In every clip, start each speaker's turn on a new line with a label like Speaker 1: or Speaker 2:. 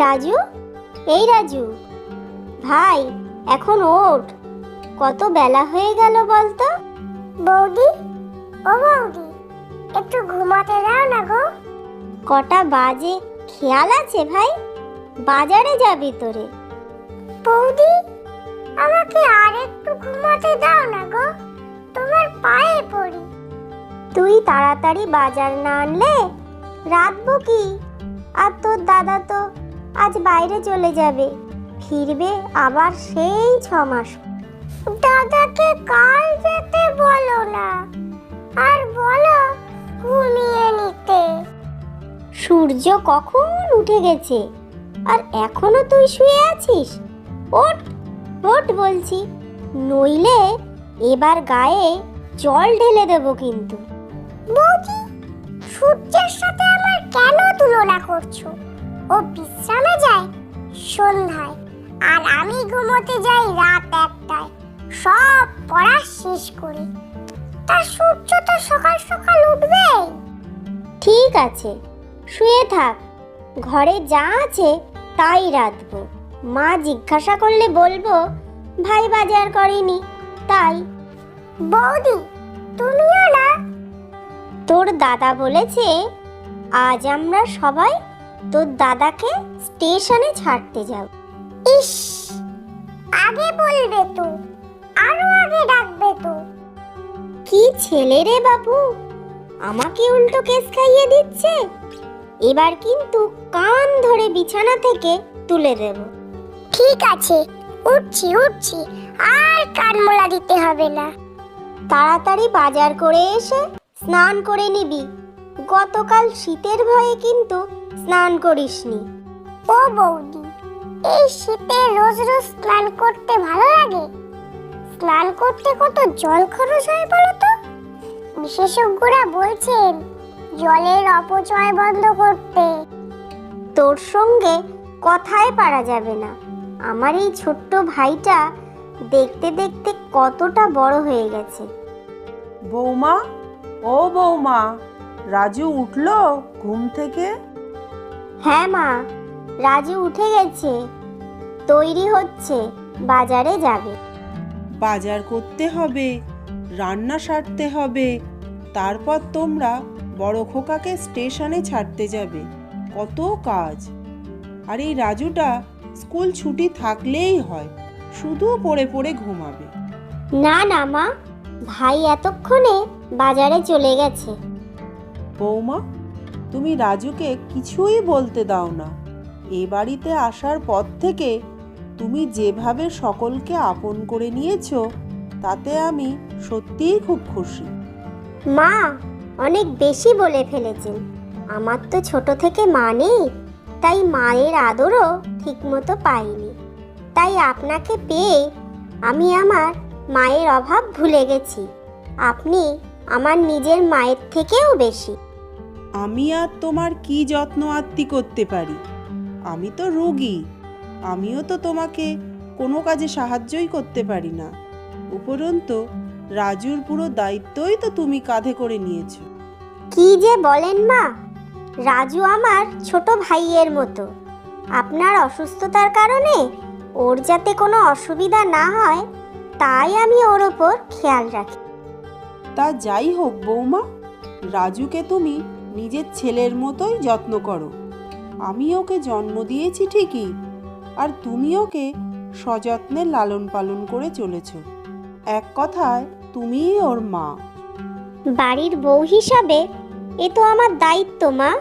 Speaker 1: রাজু, এই রাজু ভাই, এখন ওঠ, কত বেলা হয়ে গেল বলতো।
Speaker 2: বৌদি, ও বৌদি, একটু ঘুমাতে দাও না গো।
Speaker 1: কটা বাজে খেয়াল আছে ভাই? বাজারে যাবি তোরে।
Speaker 2: বৌদি, আমাকে আর একটু ঘুমাতে দাও না গো, তোমার পায়ে পড়ি।
Speaker 1: তুই তাড়াতাড়ি বাজার না আনলে রাতবো কি? আর তোর দাদা তো আজ বাইরে চলে যাবে, ফিরবে আবার সেই 6 মাস।
Speaker 2: দাদাকে কাল যেতে বলো না, আর বলো ঘুমিয়ে নিতে।
Speaker 1: সূর্য কখন উঠে গেছে আর এখনো তুই শুয়ে আছিস? ওঠ ওঠ বলছি, নইলে এবার গায়ে জল ঢেলে দেবো কিন্তু।
Speaker 2: বৌদি, সূর্যের সাথে আমার কেন তুলনা করছো? ও বিশ্রামে যায় সন্ধ্যায়, আর আমি ঘুমোতে যাই রাত 1টায়, সব পড়া শেষ করে। তা সূর্য তো সকাল সকাল উঠবে।
Speaker 1: ঠিক আছে, শুয়ে থাক, ঘরে যা আছে তাই রাঁধবো। মা জিজ্ঞাসা করলে বলবো ভাই বাজার করেনি তাই।
Speaker 2: বৌদি, তুমিও না?
Speaker 1: তোর দাদা বলেছে আজ আমরা সবাই তোর দাদাকে স্টেশনে ছাড়তে যাব।
Speaker 2: ইস, আগে বলবে তো, আরো আগে ডাকবে তো।
Speaker 1: কি ছেলে রে বাবু, আমাকে উল্টো কেস খাইয়ে দিচ্ছে। এবার কিন্তু কান ধরে বিছানা থেকে তুলে দেব।
Speaker 2: ঠিক আছে, উঠছি উঠছি, আর কান মোলা দিতে হবে না।
Speaker 1: তাড়াতাড়ি বাজার করে এসে স্নান করে নিবি। গতকাল শীতের ভয়ে কিন্তু স্নান করিসনি।
Speaker 2: ও বৌদি, এই শীতে রোজ রোজ স্নান করতে ভালো লাগে? স্নান করতে কত জল খরচ হয় বলো তো? বিশেষজ্ঞরা বলছেন জলের অপচয় বন্ধ করতে।
Speaker 1: তোর সঙ্গে কথাই পারা যাবে না। আমার এই ছোট্ট ভাইটা দেখতে দেখতে কতটা বড় হয়ে গেছে।
Speaker 3: বৌমা, ও বৌমা, রাজু উঠলো ঘুম থেকে?
Speaker 1: হ্যাঁ মা, রাজু উঠে গেছে, তৈরি হচ্ছে, বাজারে যাবে।
Speaker 3: বাজার করতে হবে, রান্না সারতে হবে, তারপর তোমরা বড় খোকাকে স্টেশনে ছাড়তে যাবে। কত কাজ। আর এই রাজুটা স্কুল ছুটি থাকলেই হয়, শুধু পড়ে পড়ে ঘুমাবে।
Speaker 1: না না মা, ভাই এতক্ষণে বাজারে চলে গেছে।
Speaker 3: বৌমা, তুমি রাজুকে কিছুই বলতে দাও না। এ বাড়িতে আসার পর থেকে তুমি যেভাবে সকলকে আপন করে নিয়েছো, তাতে আমি সত্যিই খুব খুশি।
Speaker 1: মা অনেক বেশি বলে ফেলেছেন। আমার তো ছোট থেকে মা নেই, তাই মায়ের আদরও ঠিকমতো পাইনি। তাই আপনাকে পেয়ে আমি আমার মায়ের অভাব ভুলে গেছি। আপনি আমার নিজের মায়ের থেকেও বেশি।
Speaker 3: আমি আর তোমার কি যত্ন আত্তি করতে পারি? আমি তো রোগী, আমিও তো তোমাকে কোনো কাজে সাহায্যই করতে পারি না। উপরন্তু রাজুর পুরো দায়িত্বই তো তুমি কাঁধে করে নিয়েছো।
Speaker 1: কি যে বলেন মা, রাজু আমার ছোট ভাইয়ের মতো। আপনার অসুস্থতার কারণে ওর যাতে কোনো অসুবিধা না হয়, তাই আমি ওর ওপর খেয়াল রাখি।
Speaker 3: তা যাই হোক বৌমা, রাজুকে তুমি নিজের ছেলের মতোই যত্ন করো। আমি ওকে জন্ম দিয়েছি ঠিকই, আর তুমি ওকে সযত্নে লালন পালন করে চলেছ। এক কথায় তুমিই ওর মা।
Speaker 1: বাড়ির বউ হিসাবে এ তো আমার দায়িত্ব মা।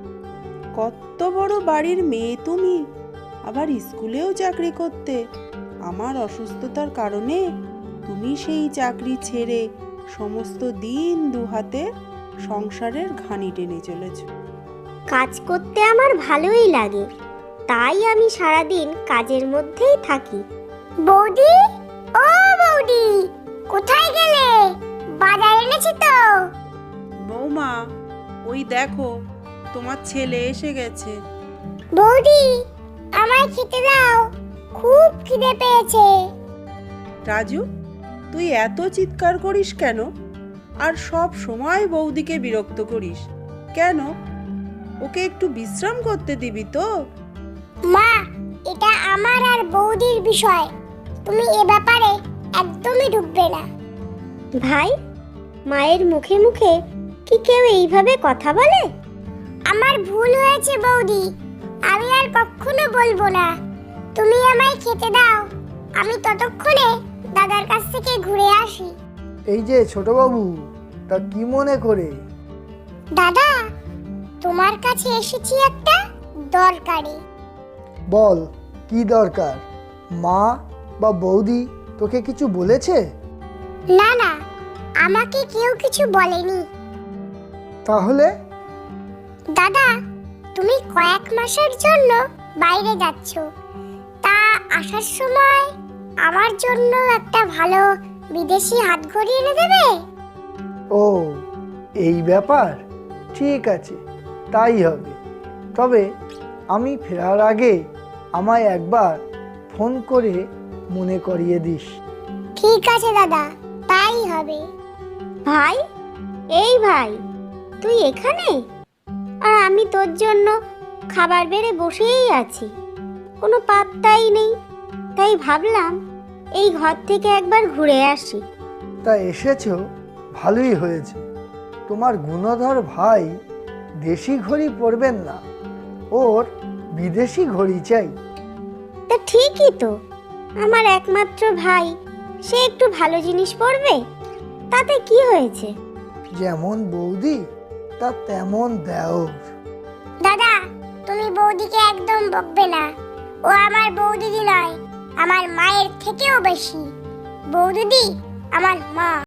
Speaker 3: কত বড় বাড়ির মেয়ে তুমি, আবার স্কুলেও চাকরি করতে। আমার অসুস্থতার কারণে তুমি সেই চাকরি ছেড়ে সমস্ত দিন দুহাতে সংসারের ঘানি টেনে চলেছ।
Speaker 1: কাজ করতে আমার ভালোই লাগে, তাই আমি সারাদিন কাজের মধ্যেই থাকি।
Speaker 2: বৌদি, ও বৌদি, কোথায় গেলে? বাজার এনেছি তো।
Speaker 3: বৌমা, ওই দেখো তোমার ছেলে এসে গেছে।
Speaker 2: বৌদি, আমায় খেতে দাও, খুব খিদে পেয়েছে।
Speaker 3: রাজু, তুই এত চিৎকার করিস কেন? আর সব সময় বৌদিকে বিরক্ত করিস কেন? ওকে একটু বিশ্রাম করতে দিবি তো?
Speaker 2: মা, এটা আমার আর বৌদির বিষয়, তুমি এ ব্যাপারে একদমই ঢুকবে না।
Speaker 1: ভাই, মায়ের মুখে মুখে কি কেউ এইভাবে কথা বলে?
Speaker 2: আমার ভুল হয়েছে বৌদি, আমি আর কখনো বলবো না। তুমি আমায় খেতে দাও, আমি ততক্ষণে দাদার কাছ থেকে ঘুরে আসি।
Speaker 4: এই যে ছোটবাবু, তা কি মনে করে?
Speaker 2: দাদা, তোমার কাছে এসেছি একটা দরকারে।
Speaker 4: বল, কি দরকার? মা বা বৌদি তোকে কিছু বলেছে?
Speaker 2: না না, আমাকে কেউ কিছু বলেনি।
Speaker 4: তাহলে?
Speaker 2: দাদা, তুমি কয়েক মাসের জন্য বাইরে যাচ্ছ, তা আসার সময় আমার জন্য একটা ভালো বিদেশি হাতঘড়ি এনে দেবে?
Speaker 4: ও, এই ব্যাপার, ঠিক আছে, তাই হবে। তবে আমি ফেরার আগে আমায় একবার ফোন করে মনে করিয়ে দিস।
Speaker 2: ঠিক আছে দাদা, তাই হবে।
Speaker 1: ভাই, এই ভাই, তুই এখানে? আর আমি তোর জন্য খাবার বেড়ে বসেই আছি, কোনো পাত্তাই নেই। তাই ভাবলাম এই ঘর থেকে একবার ঘুরে আসি।
Speaker 4: তা এসেছো, ভালোই হয়েছে। তোমার গুণধর ভাই দেশি ঘড়ি পরবেন না, ওর বিদেশি ঘড়ি চাই।
Speaker 1: তা ঠিকই তো, আমার একমাত্র ভাই, সে একটু ভালো জিনিস পরবে, তাতে কি হয়েছে?
Speaker 4: যেমন বৌদি তা তেমন দেওর।
Speaker 2: দাদা, তুমি বৌদিকে একদম বকবে না। ও আমার বৌদিদি নয়, আমার মায়ের থেকেও বেশি। বৌদিদি আমার মা।